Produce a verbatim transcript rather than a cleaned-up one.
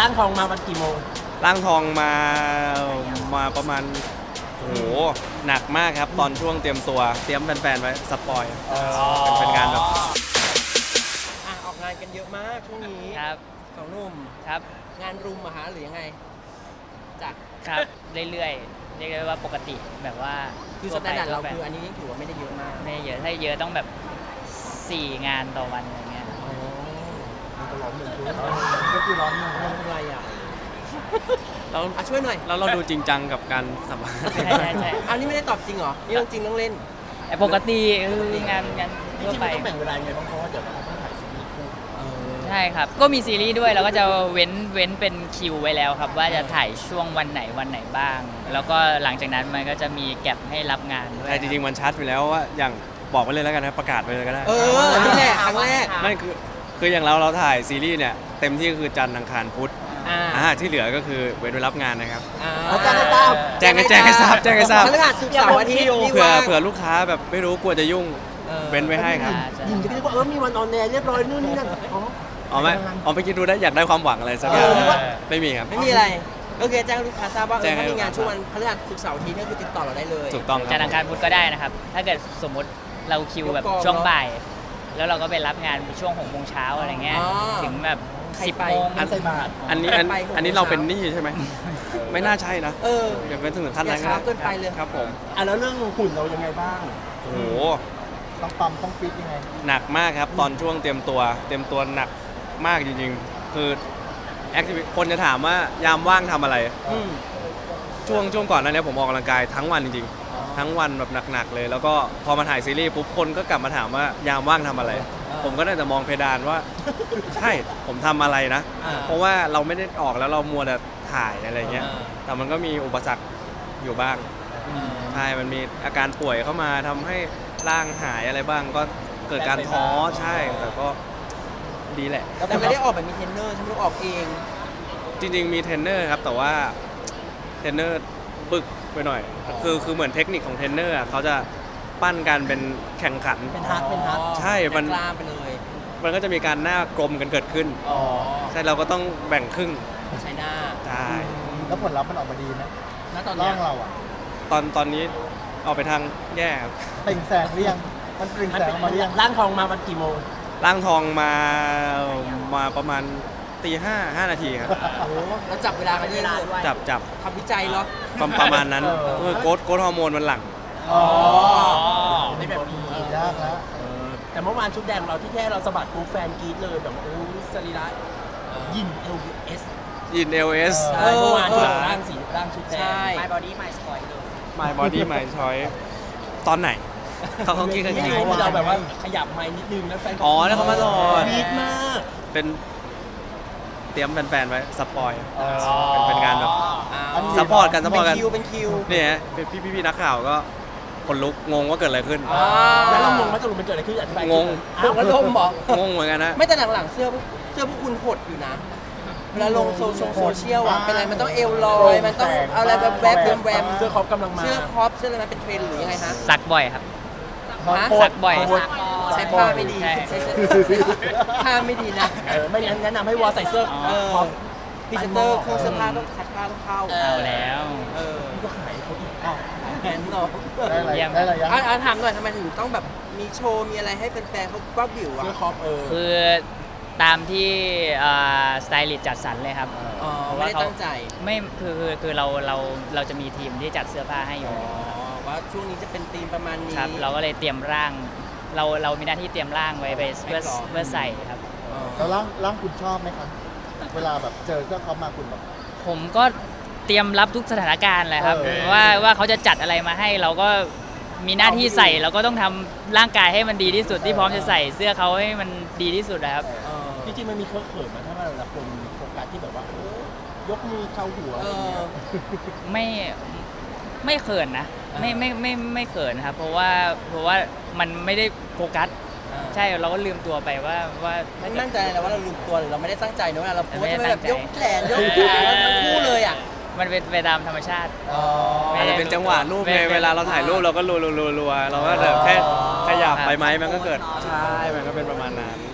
ร่างทองมาวันกี่โมงร่างทองมามาประมาณโอ้โหหนักมากครับตอนช่วงเตรียมตัวเตรียมแฟนๆไว้สปอยเป็นเป็นงานแบบอ่ะออกงานกันเยอะมากช่วงนี้ครับสองหนุ่มครับงานรุมอะฮะหรือยังไงจากครับเรื่อยๆเรียกได้ว่าปกติแบบว่าคือสแตนดาร์ดเราคืออันนี้ยังถือว่าไม่ได้เยอะมากไม่เยอะถ้าเยอะต้องแบบสี่งานต่อวันอะไรเงี้ยอ๋อมันก็ร้อนหนึ่งก็คือร้อนหนึ่งไม่เป็นไรอ่ะเราช่วยหน่อยแล้วเราดูจริงจังกับการสัมภาษณ์ใช่ใช่ใช่อันนี้ไม่ได้ตอบจริงเหรอนี่เรื่องจริงเรื่องเล่นแต่ปกติคืองานงานทั่วไปต้องแบ่งเวลาไงบ้างเพราะว่าเดี๋ยวเราต้องถ่ายซีรีส์คู่ใช่ครับก็มีซีรีส์ด้วยเราก็จะเว้นเว้นเป็นคิวไว้แล้วครับว่าจะถ่ายช่วงวันไหนวันไหนบ้าง แล้วก็หลังจากนั้นมันก็จะมีแก็บให้รับงานด้วยแต่จริงๆมันชัดอยู่แล้วว่าอย่างบอกไปเลยแล้วกันนะประกาศไปเลยก็ได้เออนี่แหละครั้งแรกไม่คือคืออย่างเราเราถ่ายซีรีส์เนี่ยเต็มที่คือจันทร์อังคารพุธอ่าที่เหลือก็คือเว้นไว้รับงานนะครับแจ้งให้ทราบแจ้งให้แจ้งให้ทราบแจ้งให้ทราบพฤหัสศุกร์เสาร์อาทิตย์เผื่อเผื่อลูกค้าแบบไม่รู้กลัวจะยุ่งเว้นไว้ให้ครับยินจะคิดว่าเออมีวันออนแอร์เรียบร้อยนู่นนี่นั่นอ๋ออ๋อไม่อ๋อไปคิดดูได้อยากได้ความหวังอะไรสักอย่างไม่มีครับไม่มีอะไรก็คือแจ้งลูกค้าทราบว่าเออถ้ามีงานช่วงวันพฤหัสศุกร์เสาร์อาทิตย์ก็คือติดต่อเราได้เลยถูกต้องจันทร์อังคารพุธก็ได้นะครับถ้าเกิดสมมติเราคิวแบบช่วงบ่ายแล้วเราก็ไปรับงานช่วงหกโมงเช้าอะไรเงี้ยถึงแบบสิบโมงอันใส่บาทอันนี้อันนี้เราเป็นหนี้ใช่ไหมไม่น่าใช่นะเอออย่าเป็นถึงขั้นนั้นช้าเกินไปเลยครับผมอ่ะแล้วเรื่องหุ่นเรายังไงบ้างโอ้โหต้องปั๊มต้องฟิตยังไงหนักมากครับตอนช่วงเตรียมตัวเตรียมตัวหนักมากจริงๆคือแอคทิวิตี้คนจะถามว่ายามว่างทำอะไรช่วงช่วงก่อนหน้านี้ผมออกกำลังกายทั้งวันจริงๆทั้งวันแบบหนักๆเลยแล้วก็พอมาถ่ายซีรีส์ปุ๊บคนก็กลับมาถามว่ายามว่างทำอะไรผมก็ได้แต่มองเพดานว่าใช่ผมทำอะไรนะเพราะว่าเราไม่ได้ออกแล้วเรามัวแต่ถ่ายอะไรเงี้ยแต่มันก็มีอุปสรรคอยู่บ้างใช่มันมีอาการป่วยเข้ามาทำให้ร่างหายอะไรบ้างก็เกิดการท้อใช่แต่ก็ดีแหละแต่ไม่ได้ออกแบบมีเทรนเนอร์ฉันต้องออกเองจริงๆมีเทรนเนอร์ครับแต่ว่าเทรนเนอร์ปึกไปหน่อยคือคือเหมือนเทคนิคของเทรนเนอร์เขาจะปั้นกันเป็นแข่งขันเป็นฮาร์ดเป็นฮาร์ดใช่มันกล้าไปเลยมันก็จะมีการหน้ากลมกันเกิดขึ้นใช่เราก็ต้องแบ่งครึ่งใช้หน้าใช่แล้วผลลัพธ์มันออกมาดีไหมณตอนร่างเราอ่ะตอนตอนนี้ออกไปทางแย่ครับเปล่งแสงเรียงมันเปล่งแสงมาเรียงร่างทองมาวันกี่โมงร่างทองมามาประมาณตีห้าห้านาทีครับโอ้แล้วจับเวลากันด้วยจับจับทำวิจัยเหรอประมาณนั้นคือโกรทโกรทฮอร์โมนมันหลั่งอ๋อไม่แบบมียากแล้วแต่เมื่อวานชุดแดงเราที่แค่เราสะบัดกูแฟนกรี๊ดเลยแบบโอ้สรีระยิน เอล เอสยิน เอล เอสเมื่อวานที่ร่างสีร่างชุดแดง My Body My Choice เลย My Body My Choice ตอนไหนเขาเขาคิดกันยังไงที่เราแบบว่าขยับไม้นิดนึงแล้วแฟนอ๋อแล้วเขามาสอนกรี๊ดมากเป็นเตรียมแฟนๆไว้สปอยเป็นเป็นงานแบบซัพพอร์ตกันซัพพอร์ตกันเป็นคิวเป็นคิวเนี่ยพี่พี่พี่นักข่าวก็คนลุกงงว่าเกิดอะไรขึ้นแล้วเรางงว่าสรุปมันเกิดอะไรขึ้นอธิบายงงอ้าวลมเหรองงเหมือนกันนะไม่แต่หลังๆเสื้อเสื้อพวกคุณหดอยู่นะเวลาลงโซเชียลอ่ะเป็นอะไรมันต้องเอวลอยมันต้องเอาอะไรแบบแวบแวบเสื้อครอปกำลังมาเสื้อครอปเสื้ออะไรมันเป็นเทรนด์หรือยังไงฮะซักบ่อยครับซักบ่อยใช้ผ้าไม่ดีใช้ผ้าไม่ดีนะไม่งั้นแนะนำให้วอใส่เสื้อครอปพรีเซนเตอร์เครื่องเสื้อผ้าต้องคัดผ้าต้องเข้าเอาแล้วเออก็ขายเขาอีกอ้าวแอนนอได้อะไรได้อะไรอ่ะถามหน่อยทำไมถึงต้องแบบมีโชว์มีอะไรให้แฟนๆเขาบ้าบิ่วอ่ะเสื้อครอปเออคือตามที่สไตลิสต์จัดสรรเลยครับอ๋อไม่ได้ตั้งใจไม่คือคือคือเราเราเราจะมีทีมที่จัดเสื้อผ้าให้อยู่ว่าช่วงนี้จะเป็นธีมประมาณนี้ครับเราก็เลยเตรียมร่างเราเรามีหน้าที่เตรียมร่างไว้ไปเพื่อเพื่อใส่ครับแล้วร่างร่างคุณชอบไหมครับเวลาแบบเจอเสื้อครอปมาคุณแบบผมก็เตรียมรับทุกสถานการณ์เลยครับว่าว่าเขาจะจัดอะไรมาให้เราก็มีหน้าที่ใส่เราก็ต้องทำร่างกายให้มันดีที่สุดที่พร้อมจะใส่เสื้อเขาให้มันดีที่สุดนะครับจริงๆมันมีเคอะเขินมาถ้าเวลาคนโฟกัสที่แบบว่ายกมือเข้าหัวไม่ไม่เขินนะไม่ไม่ไม่ไม่เขินครับเพราะว่าเพราะว่ามันไม่ได้โฟกัสใช่เราก็ลืมตัวไปว่าว่าไม่มั่นใจเลยว่าเราลืมตัวหรือเราไม่ได้ตั้งใจนะเวลาเราโพสจะแบบยกแขนยกขาทั้งคู่เลยอ่ะมันเป็นไปตามธรรมชาติอาจจะเป็นจังหวะรูปไงเวลาเราถ่ายรูปเราก็รัวๆๆเราก็แบบแค่ขยับไปไหมมันก็เกิดใช่มันก็เป็นประมาณนั้น